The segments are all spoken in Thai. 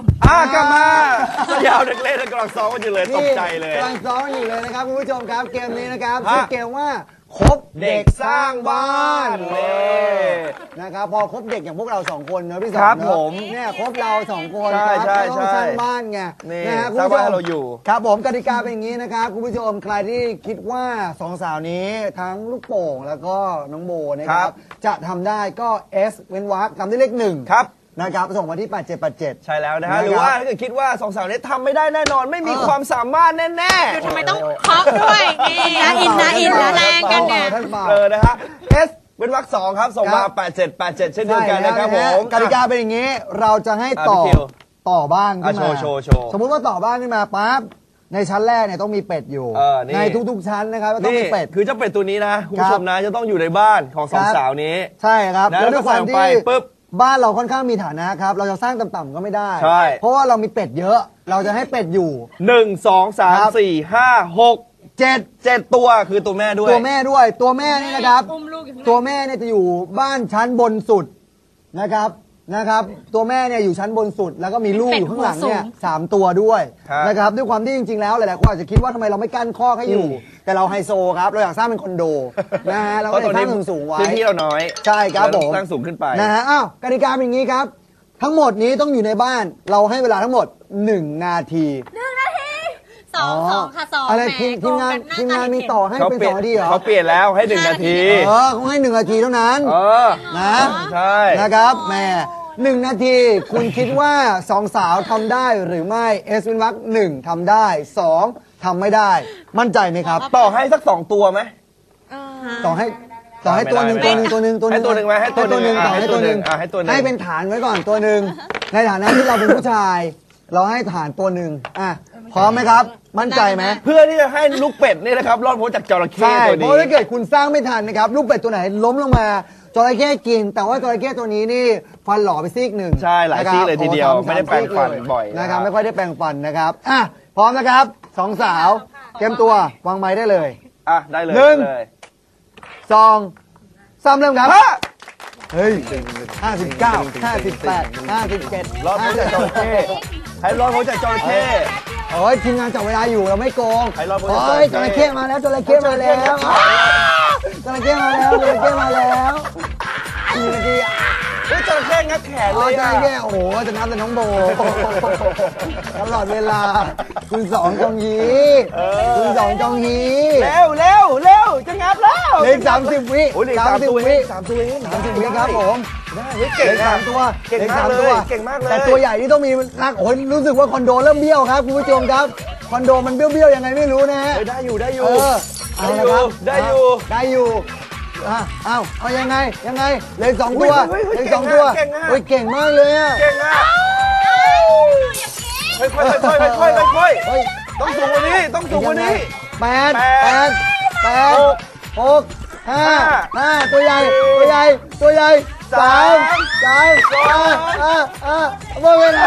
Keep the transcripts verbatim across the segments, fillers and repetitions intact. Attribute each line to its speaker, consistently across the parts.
Speaker 1: ม
Speaker 2: อ่ากลับมาสยามเด็กเล่นกำลังซ้อมกันอยู่เลยตกใจเลย
Speaker 3: กำลังซ้อมอยู่เลยนะครับคุณผู้ชมครับเกมนี้นะครับชื่อเกมว่าคบเด็กสร้างบ้านนะครับพอคบเด็กอย่างพวกเราสองคนเนอะพี่สองเนอะเนี่ยคบเราสองคนครับต้องสร้างบ้านไงนะฮะคุณผู้ชมเราอยู่ครับผมกติกาเป็นอย่างนี้นะครับคุณผู้ชมใครที่คิดว่าสองสาวนี้ทั้งลูกโป่งแล้วก็น้องโบนะครับจะทำได้ก็ S เว้นวรรคตามด้วยเลขหนึ่งครับนะครับส่งมาที่แปดเจ็ดแปดเจ็ด
Speaker 2: ใช่แล้วนะฮะหรือว่าถ้าเกิดคิดว่าสองสาวนี้ทำไม่ได้แน่นอนไม่มีความสามารถแน่
Speaker 1: ๆทำไมต้องเคาะด้วยนี่นะอินนะอินนะแรงกันเนี่ย
Speaker 2: เออนะฮะ S เป็นวรรคสองครับส่งมาแปดเจ็ดแปดเจ็ดเช่นเดียวกันนะครับผม
Speaker 3: กติกาเป็นอย่างนี้เราจะให้ต่อต่อบ้านขึ้นมาสมมุติว่าต่อบ้านขึ้นมาปั๊บในชั้นแรกเนี่ยต้องมีเป็ดอยู่ในทุกๆชั้นนะครับต้องมีเป็ด
Speaker 2: คือเจ้าเป็ดตัวนี้นะคุณผู้ชมนะจะต้องอยู่ในบ้านของสองสาวนี้
Speaker 3: ใช่ครับ
Speaker 2: แล้วด้วยความที่ปุ๊บ
Speaker 3: บ้านเราค่อนข้างมีฐานะครับเราจะสร้างต่ำๆก็ไม่ได้เพราะว่าเรามีเป็ดเยอะเราจะให้เป็ดอยู่
Speaker 2: หนึ่ง สอง สาม สี่ ห้า หก เจ็ด เจ็ดตัวคือตัวแม่ด้วย
Speaker 3: ตัวแม่ด้วยตัวแม่นี่นะครับตัวแม่เนี่ยจะอยู่บ้านชั้นบนสุดนะครับนะครับตัวแม่เนี่ยอยู่ชั้นบนสุดแล้วก็มีลูกอยู่ข้างหลังเนี่ยสามตัวด้วยนะครับด้วยความที่จริงๆแล้วหลายๆคนอาจจะคิดว่าทำไมเราไม่กั้นคอกให้อยู่แต่เราไฮโซครับเราอยากสร้างเป็นคอนโดนะฮะเราก็เลยสร้างสูงๆไว้
Speaker 2: พื้นที่เราน้อย
Speaker 3: ใช่ครับผม
Speaker 2: สร้างสูงขึ้นไป
Speaker 3: นะฮะอ้าวกติกาเป็นอย่างนี้ครับทั้งหมดนี้ต้องอยู่ในบ้านเราให้เวลาทั้งหมดหนึ่งนาที
Speaker 1: หนึ่งนาทีสองสองค่ะสอง
Speaker 3: อะไรทีมงานทีมงานมีต่อให้เป็นสองนาทีเหรอ
Speaker 2: เขาเปลี่ยนแล้วให้หนึ่งนาที
Speaker 3: เออเขาให้หนึ่งนาทีเท่านั้น
Speaker 2: เออ
Speaker 3: นะ
Speaker 2: ใช่
Speaker 3: นะครับแม่หนึ่งนาทีคุณคิดว่าสองสาวทำได้หรือไม่เอสวินวักหนึ่งทำได้สองทำไม่ได้มั่นใจไหมครับ
Speaker 2: ต่อให้สักสองตัวไหม
Speaker 3: ต่อให้ต่อให้ตัวหนึ่งตัวหนึ่งตัวหนึ่งตัวหนึ่ง
Speaker 2: ให้ตัวหนึ่งไหมให้ตัวหนึ่ง
Speaker 3: ต่อให้ตัวหนึ่ง
Speaker 2: ให้ตัวหนึ่ง
Speaker 3: ให้เป็นฐานไว้ก่อนตัวหนึ่งในฐานะที่เราเป็นผู้ชายเราให้ฐานตัวหนึ่งอ่ะพร้อมไหมครับมั่นใจไหม
Speaker 2: เพื่อที่จะให้ลูกเป็ดนี่นะครับรอดพ้นจากจระเข้ตัวนี้
Speaker 3: เพราะถ้าเกิดคุณสร้างไม่ทันนะครับลูกเป็ดตัวไหนล้มลงมาจระเข้กินแต่ว่าจระเข้ตัวนี้นี่ฟันหล่อไปซีกหนึ่ง
Speaker 2: ใช่หลายซีกเลยทีเดียวไม่ได้แปรงฟันบ่อย
Speaker 3: นะครับไม่ค่อยได้แปรงฟันนะครับอ่ะพร้อมนะครับสองสาวเตรียมตัววางไม้ได้เลย
Speaker 2: อ่ะได้เลย
Speaker 3: หนึ่งสองสามเริ่มครับเฮ้ยห้าสิบเก้าห้าสิบแปดห้าสิบเจ็ด
Speaker 2: รอดพ้นจากจระเข้ให้รอดพ้นจากจระเข้
Speaker 3: โอ้ยทีมงานจับเวลาอยู่เราไม่โกง
Speaker 2: ให้รอดพ้น
Speaker 3: จากจระเข้จระเข้มาแล้วจระเข้มาแล้วจระเข้มาแล้วจระเข้มาแล้วหนึ่งนาที
Speaker 2: เฮ้ยจระเข้งับแขนเลย
Speaker 3: จระเข้โอ้โหจะนับแต่น้องโบตลอดเวลาคุณสองจงยีคุณสองจงยี
Speaker 2: เร็วเร็วเร็วจะงับแล้ว
Speaker 3: เลขสามสิบวิ
Speaker 2: สามสิบวิสามสิบวิ
Speaker 3: สามสิบวิครับผม
Speaker 2: ได้เก่ง
Speaker 3: สามตัว
Speaker 2: เก่งมากเลยเก่งมากเลย
Speaker 3: แต่ตัวใหญ่นี่ต้องมีนักโอ้ยรู้สึกว่าคอนโดเริ่มเบี้ยวครับคุณผู้ชมครับคอนโดมันเบี้ยวเบี้ยวยังไงไม่รู้นะฮะ
Speaker 2: ได้อยู่ได้อยู่
Speaker 3: ได้อยู่
Speaker 2: ได้อยู่
Speaker 3: ได้อยู่อ้าวอ้าวเอายังไงยังไงเลยสองตัวเลยสองตัวโอ้ยเก่งมากเลยอ่ะ
Speaker 2: เก่งอ่ะค่อยค่อยค่อยค่อยค่อยค่อยต้องสูงกว่านี้ต้องสูงกว่านี้
Speaker 3: แปดแปดแปดหกห้าห้าตัวใหญ่ตัวใหญ่ตัวใหญ่สามสามอ่าอ่าอ่าหมดเวลา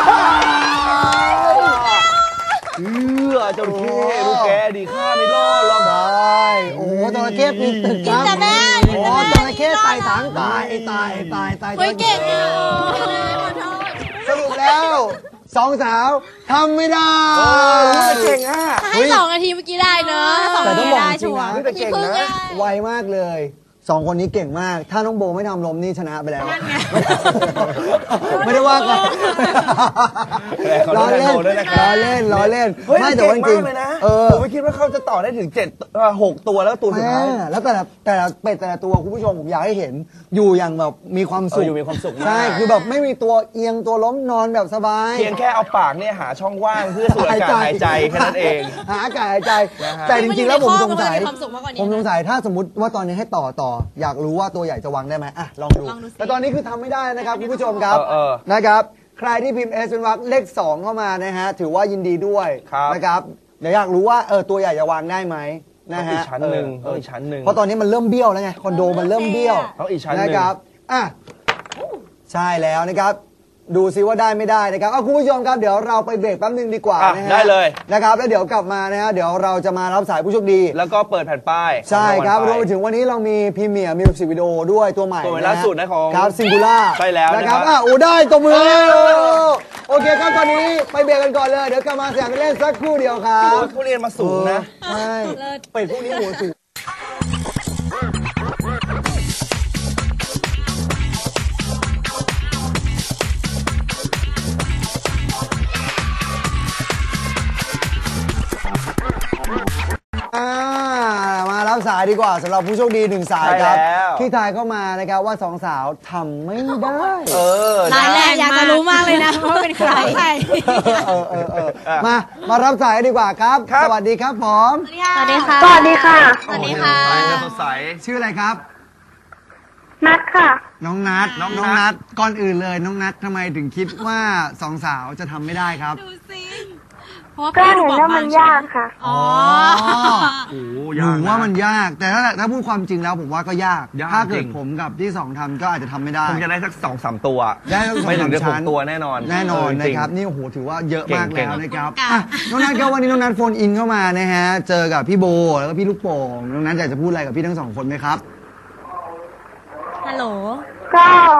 Speaker 2: เออจระเข้ลูกแกดีข้าไม่รอดหรอก
Speaker 3: ได้โอ้จระเข้ปีนตึกครับโอ้จระเข้ไต่ถังตายตายตายตาย
Speaker 1: เก่งอ่ะ
Speaker 3: สรุปแล้วสองสาวทำไม่ได้
Speaker 2: เก่งอ่ะ
Speaker 1: ให้สองนาทีเมื่อกี้ได้เนอะสองนาทีได้ชัวร์
Speaker 2: เก่งนะ
Speaker 3: ไวมากเลยสองคนนี้เก่งมากถ้าน้องโบไม่ทำลมนี่ชนะไปแล้วไม่ได้ว่ากันล้อเล่นล้อเล่นล้อเล่นไม่แต่ว่าจริง
Speaker 2: เออผมไม่คิดว่าเขาจะต่อได้ถึงเจ็ดหกตัวแล้วตัวสุดท้าย
Speaker 3: แล้วแต่ละแต่ละเป็ดแต่ละตัวคุณผู้ชมผมอยากให้เห็นอยู่อย่างแบบมีความสุข
Speaker 2: อยู่มีความสุข
Speaker 3: ใช่คือแบบไม่มีตัวเอียงตัวล้มนอนแบบสบาย
Speaker 2: เพียงแค่เอาปากเนี่ยหาช่องว่างเพื่อสูดอากาศหายใจแค่นั้นเอง
Speaker 3: หาอากาศหายใจแต่จริงๆแล้วผมสงสัยผมสงสัยถ้าสมมติว่าตอนนี้ให้ต่อต่ออยากรู้ว่าตัวใหญ่จะวางได้ไหมอ่ะลองดูแต่ตอนนี้คือทำไม่ได้นะครับคุณผู้ชมครับนะครับใครที่พิมพ์ S เป็นวรรคเลขสองเข้ามานะฮะถือว่ายินดีด้วยนะครับเดี๋ยวอยากรู้ว่าเออตัวใหญ่จะวางได้ไหมนะฮะ
Speaker 2: อีกชั้นหนึ่งอีกชั้นหนึ่ง
Speaker 3: เพราะตอนนี้มันเริ่มเบี้ยวแล้วไงคอนโดมันเริ่มเบี้ยว
Speaker 2: ต้องอีกชั้นหนึ่ง
Speaker 3: นะครับอ่ะใช่แล้วนะครับดูซิว่าได้ไม่ได้นะครับเอาคุณผู้ชมครับเดี๋ยวเราไปเบรกแป๊บนึงดีกว่า
Speaker 2: อ่ะ
Speaker 3: นะฮะ
Speaker 2: ได้เลย
Speaker 3: นะครับแล้วเดี๋ยวกลับมานะฮะเดี๋ยวเราจะมารับสายผู้โชคดี
Speaker 2: แล้วก็เปิดแผ่นป้าย
Speaker 3: ใช่ครับรวม
Speaker 2: ไป
Speaker 3: ไปถึงวันนี้เรามีพรีเมียร์มิวสิกวิดีโอด้วยตัวใหม่
Speaker 2: ตัวใหม่
Speaker 3: นะฮะ
Speaker 2: ล่าสุดนะของ
Speaker 3: ครับซิงคูล่า
Speaker 2: ใช่แล้ว
Speaker 3: นะ
Speaker 2: นะ
Speaker 3: ค
Speaker 2: ครั
Speaker 3: รับบ อ่ะโอ้ได้ตัวมือโอเคครับตอนนี้ไปเบรกกันก่อนเลยเดี๋ยวกลับมาสยามกันเล่นสักครู่เดียวครั
Speaker 2: โอ้
Speaker 3: บ
Speaker 2: ยผู้เรียนมาสูงนะ
Speaker 3: ใช่เป็ดพวกนี้หัวสูงอ่ามารับสายดีกว่าสำหรับผู้โชคดีหนึ่งสายครับ
Speaker 2: ใช่แล้ว
Speaker 3: ที่ทายเข้ามานะครับว่าสองสาวทำไม่ได้
Speaker 2: เออ
Speaker 1: รายแรกอยากจะรู้มากเลยนะว่าเป็นใคร
Speaker 3: เออเออเออมา มารับสายดีกว่าครับ
Speaker 2: ครับ
Speaker 3: สวัสดีครับผม
Speaker 1: สวัสดีค่ะ
Speaker 4: สวัสดีค่ะ
Speaker 1: สวัสดีค่ะ
Speaker 2: โอ้ยสดใส
Speaker 3: ชื่ออะไรครับ
Speaker 4: นัดค่ะ
Speaker 3: น้องนัท
Speaker 2: น้องนัท
Speaker 3: น้องนัทก่อนอื่นเลยน้องนัททำไมถึงคิดว่าสองสาวจะทำไม่ได้ครับ
Speaker 1: ดูสิเพราะว่า
Speaker 4: ก็
Speaker 1: พี่
Speaker 4: เห็
Speaker 1: ดู
Speaker 4: น
Speaker 1: บอก
Speaker 4: ว่า
Speaker 1: มา
Speaker 4: มันยากค่ะ
Speaker 1: อ๋อ
Speaker 2: โอ้
Speaker 3: หนูว่ามันยาก แต่ถ้าถ้าพูดความจริงแล้วผมว่าก็ยาก
Speaker 2: ยาก
Speaker 3: ถ้าเกิ
Speaker 2: จริ
Speaker 3: ด
Speaker 2: ง
Speaker 3: ผมกับที่สองทำก็อาจจะทำไม่ได้
Speaker 2: คงจะได้สักสองสามตัว
Speaker 3: ได้ทั้งสอง
Speaker 2: ไม่ถึงจะ
Speaker 3: สามชั้
Speaker 2: หก
Speaker 3: น
Speaker 2: ตัวแน่นอน
Speaker 3: แน่นอน
Speaker 2: เจ
Speaker 3: นะ
Speaker 2: ริง
Speaker 3: ครับ นี่โอ้โหถือว่าเยอะมาก
Speaker 2: เก่
Speaker 3: แล้ว
Speaker 2: งๆ
Speaker 3: นะครับ
Speaker 1: ค่ะ
Speaker 3: อ่ะน้องนัทก็วันนี้น้องนัทโฟนอินเข้ามานะฮะ เจอกับพี่โบแล้วก็พี่ลูกโป่งน้องนัทอยากจะพูดอะไรกับพี่ทั้งสองคนไหมครับ
Speaker 1: ฮัลโหล
Speaker 4: ก็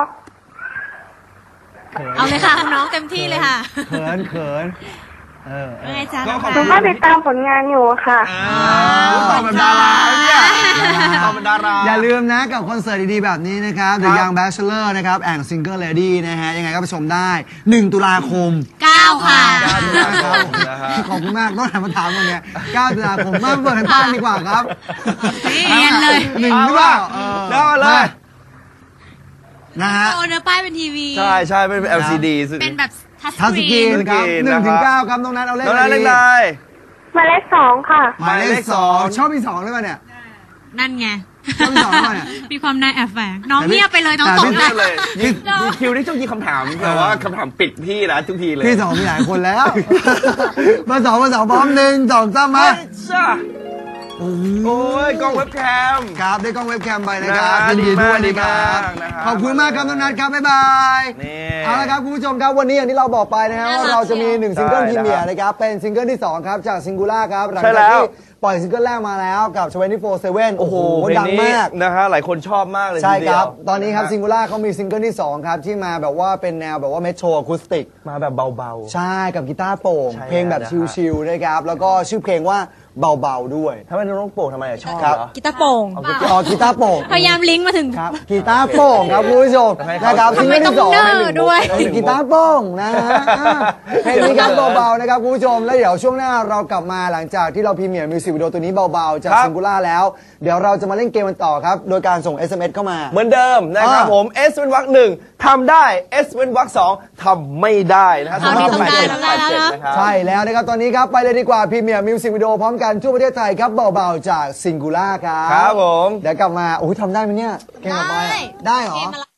Speaker 1: เอาเลยค่ะคุณน้องเต็มที่เลยค่ะ
Speaker 3: เขินเขินเออเอ
Speaker 1: ว่า
Speaker 3: อ
Speaker 1: ไงจ๊ะ
Speaker 2: ก็
Speaker 1: น้อง
Speaker 2: ขอบ
Speaker 4: หนู
Speaker 2: คุณ
Speaker 4: ก็ติดตามผลงานอยู่ค่ะ
Speaker 2: ตอบเป็นดาราเนี่ยตอบเป็นดารา
Speaker 3: อย่าลืมนะกับคอนเสิร์ตดีๆแบบนี้นะครับ The
Speaker 2: ครับ
Speaker 3: Young Bachelor นะครับแอนด์ Single Lady นะฮะ ยังไงก็ไปชมได้หนึ่งตุลาคม
Speaker 1: เก้าค่ะ
Speaker 2: เก้าตุลาคมนะฮะ
Speaker 3: ขอบคุณมากต้องถามมาถามวันเนี้ยเก้าตุลาคมมากเปิดให้ป้านดีกว่าครับ
Speaker 1: เรียนเลย
Speaker 3: หนึ่งหรือเปล่าเออ
Speaker 2: เริ่มเลย
Speaker 3: นะฮะ
Speaker 1: โอเนื้อป้ายเป็นทีวี
Speaker 2: ใช่ใช่เป็น แอล ซี ดี สุด
Speaker 1: เป็นแบบทัช
Speaker 3: ทั
Speaker 1: ส
Speaker 3: ส
Speaker 1: ก
Speaker 3: กี
Speaker 1: รี
Speaker 3: น
Speaker 1: น
Speaker 3: ครับ
Speaker 2: ทัชสกรีน
Speaker 3: หนึ่งถึง
Speaker 2: นะครับ
Speaker 3: เก้าครับน้องนัทเอาเลข
Speaker 2: น้อง
Speaker 3: อะ
Speaker 2: นัท
Speaker 3: ไร
Speaker 2: เล็ก
Speaker 3: ดี
Speaker 2: นาย
Speaker 4: หมายเลขสองค่ะ
Speaker 3: หมายเลขสองชอบพี่สองหรือเปล่าเนี่ย
Speaker 1: นั่นไง
Speaker 3: ชอบพี่สองหรือเปล่าเนี่ย
Speaker 1: มีความนายแอบแฝงน้องเงียบไปเลยน้อง
Speaker 3: แต่
Speaker 1: ต
Speaker 3: พี่
Speaker 1: ก
Speaker 2: เรี
Speaker 1: ใจ
Speaker 2: ยกเลยยิงยิงคิวนี่ต้องยิงคำถามแต่ว่าคำถามปิดพี่นะทุกทีเลย
Speaker 3: พี่สองมีหลายคนแล้วเบอร์สองเบอร์สองพร้อมหนึ่งสองสามมา
Speaker 2: จ้าโอ้ยกล้องเว็บแคม
Speaker 3: ครับได้กล้องเว็บแคมไปนะครับ
Speaker 2: นะ
Speaker 3: ยินดีด้วย
Speaker 2: ดี
Speaker 3: นะค
Speaker 2: มา
Speaker 3: รั
Speaker 2: ก
Speaker 3: บ
Speaker 2: นะครับ
Speaker 3: ขอบคุณมากครับน้องนัทครับบ๊ายบาย
Speaker 2: นี่
Speaker 3: เอาละครับคุณผู้ชมครับวันนี้อย่างที่เราบอกไปนะฮะว่าเราจะมีหนึ่งซิงเกิลพรีเมียร์นะครับเป็นซิงเกิลที่สองครับจากซิงคูล่าครับหลัง
Speaker 2: ใช่
Speaker 3: จาก
Speaker 2: แล้ว
Speaker 3: ที่ปล่อยซิงเกิลแรกมาแล้วกับทเวนตี้โฟร์เซเว่น
Speaker 2: โอ้โห
Speaker 3: ดังมาก
Speaker 2: นะฮะหลายคนชอบมากเลย
Speaker 3: ใช่
Speaker 2: ทีเดี
Speaker 3: ค
Speaker 2: ยว
Speaker 3: รับ ตอนนี้ครับซิงคูล่าเขามีซิงเกิลที่สองครับที่มาแบบว่าเป็นแนวแบบว่าเมโทรอะคูสติก
Speaker 2: มาแบบเบา
Speaker 3: ใช่กับกีตาร์โปร่ง
Speaker 2: ใช่
Speaker 3: เพลงแบบ
Speaker 2: แล้วนะครับ
Speaker 3: ชิลๆนะครับแล้วก็ชื่อเพลงว่าเบาๆด้วย
Speaker 2: ๆถ้าเป็นน้องโป่งทำไมอะชอบ
Speaker 3: ครับ
Speaker 2: เหรอ
Speaker 1: กีตาร์โป่ง
Speaker 3: อ๋อกีตาร์โปร่ง
Speaker 1: พยายามลิงก์มาถึง
Speaker 3: ครับกีตาร์โปร่งครับคุณผู้ชม
Speaker 2: ให้เขา
Speaker 3: นะครับซิงเกิลที่สอง
Speaker 1: ทำไมต้องเนอร์ด้วย
Speaker 3: กีตาร์โปร่งนะฮะอ่าเพลงนี้ครับเบาๆนะครับคุณผู้ชมแล้วเดี๋ยวช่วงหน้าเรากลับมาหลังจากที่เราพรีเมียร์มิวสิกวิดีโอตัวนี้เบาๆจาก
Speaker 2: ครับ
Speaker 3: ซิงคูล่าแล้ว เดี๋ยวเราจะมาเล่นเกมกันต่อครับโดยการส่ง เอส เอ็ม เอส เข้ามา
Speaker 2: เหมือนเดิมนะครับ
Speaker 3: อ่า
Speaker 2: ผม S เป็นวรรคหนึ่งทำได้ S เป็นวรรคสองทำไม่ได้นะครับ
Speaker 1: เอาดิ
Speaker 2: สำหรับ
Speaker 1: ทำได้
Speaker 2: แปดเจ็ด
Speaker 1: ทำได้แล้ว
Speaker 2: แปดเจ็ด
Speaker 1: นะ
Speaker 2: นะครับ
Speaker 3: ใช่แล้วนะครับตอนนี้ครับไปเลยดีกว่าพรีเมียร์มิวสิกวิดีโอพร้อมกันทั่วประเทศไทยครับเบาๆจากซิงคูล่าครับ
Speaker 2: ครับผม
Speaker 3: เดี๋ยวกลับมาโอ้ยทำได้ไหมเนี่ยเกมต่อไปอะได้เหรอ
Speaker 1: เกมอะไร